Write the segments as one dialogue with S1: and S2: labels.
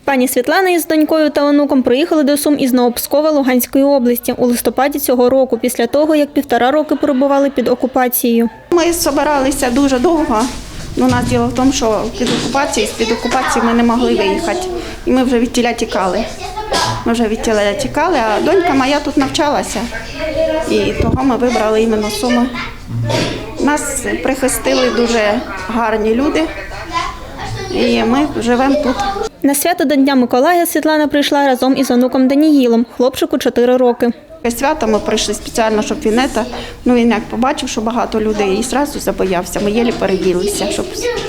S1: Пані Світлана із донькою та онуком приїхали до Сум із Новопскова Луганської області у листопаді цього року, після того, як 1,5 роки перебували під окупацією.
S2: Ми збиралися дуже довго. У нас діло в тому, що з-під окупації ми не могли виїхати. І ми вже відтіля тікали. А донька моя тут навчалася. І того ми вибрали іменно Суми. Нас прихистили дуже гарні люди. І ми живемо тут.
S1: На свято до Дня Миколая Світлана прийшла разом із онуком Даніїлом, хлопчику 4 роки.
S2: Свято ми прийшли спеціально, щоб він як побачив, що багато людей, і одразу забоявся. Ми єлі переділися, щоб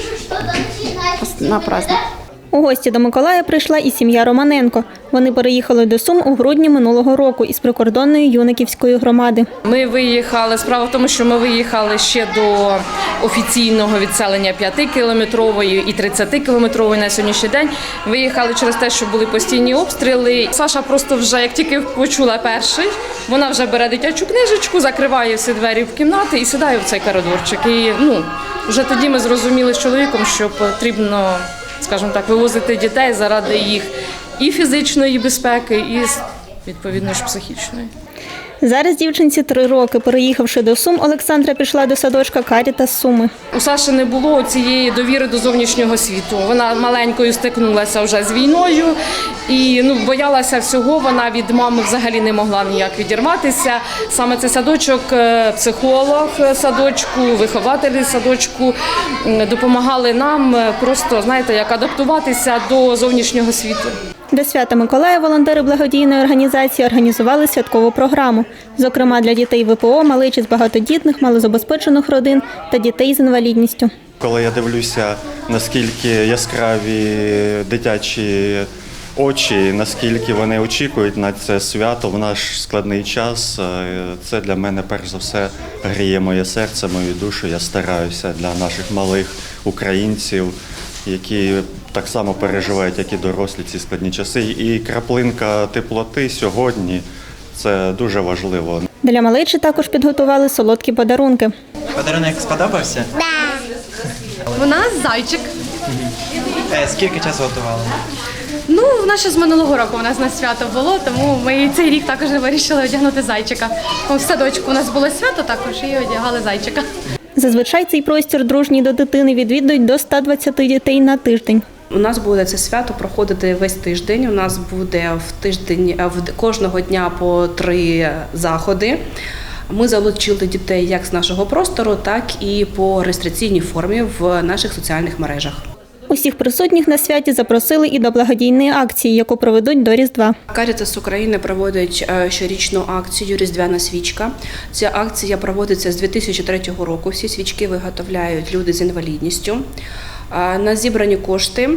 S2: на праздник.
S1: У гості до Миколая прийшла і сім'я Романенко. Вони переїхали до Сум у грудні минулого року із прикордонної Юниківської громади.
S3: Ми виїхали, справа в тому, що ми виїхали ще до офіційного відселення 5-кілометрової і 30-кілометрової на сьогоднішній день. Виїхали через те, що були постійні обстріли. Саша просто вже, як тільки почула перший, вона вже бере дитячу книжечку, закриває всі двері в кімнати і сідає в цей коридорчик. І вже тоді ми зрозуміли з чоловіком, що потрібно, скажімо так, вивозити дітей заради їх і фізичної безпеки, і, відповідно ж, психічної.
S1: Зараз дівчинці 3 роки. Переїхавши до Сум, Олександра пішла до садочка Карітас Суми.
S3: У Саші не було цієї довіри до зовнішнього світу. Вона маленькою стикнулася вже з війною і боялася всього. Вона від мами взагалі не могла ніяк відірватися. Саме цей садочок, психолог садочку, вихователі садочку допомагали нам просто, знаєте, як адаптуватися до зовнішнього світу.
S1: До свята Миколая волонтери благодійної організації організували святкову програму. Зокрема, для дітей ВПО, малечі з багатодітних, малозабезпечених родин та дітей з інвалідністю.
S4: Коли я дивлюся, наскільки яскраві дитячі очі, наскільки вони очікують на це свято в наш складний час, це для мене перш за все гріє моє серце, мою душу. Я стараюся для наших малих українців, які так само переживають, як і дорослі, ці складні часи. І краплинка теплоти сьогодні – це дуже важливо.
S1: Для малечі також підготували солодкі подарунки.
S5: Подарунок сподобався?
S6: Так. У нас зайчик.
S5: Скільки часу готували?
S6: У нас ще з минулого року у нас на свято було, тому ми цей рік також вирішили одягнути зайчика. В садочку у нас було свято також і одягали зайчика.
S1: Зазвичай цей простір дружній до дитини відвідують до 120 дітей на тиждень.
S7: У нас буде це свято проходити весь тиждень. У нас буде кожного дня по 3 заходи. Ми залучили дітей як з нашого простору, так і по реєстраційній формі в наших соціальних мережах.
S1: Усіх присутніх на святі запросили і до благодійної акції, яку проведуть до Різдва.
S7: Карітас України проводить щорічну акцію «Різдвяна свічка». Ця акція проводиться з 2003 року. Всі свічки виготовляють люди з інвалідністю. На зібрані кошти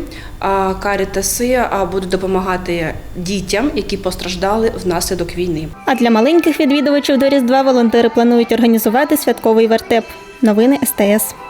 S7: карітаси будуть допомагати дітям, які постраждали внаслідок війни.
S1: А для маленьких відвідувачів до Різдва волонтери планують організувати святковий вертеп. Новини СТС.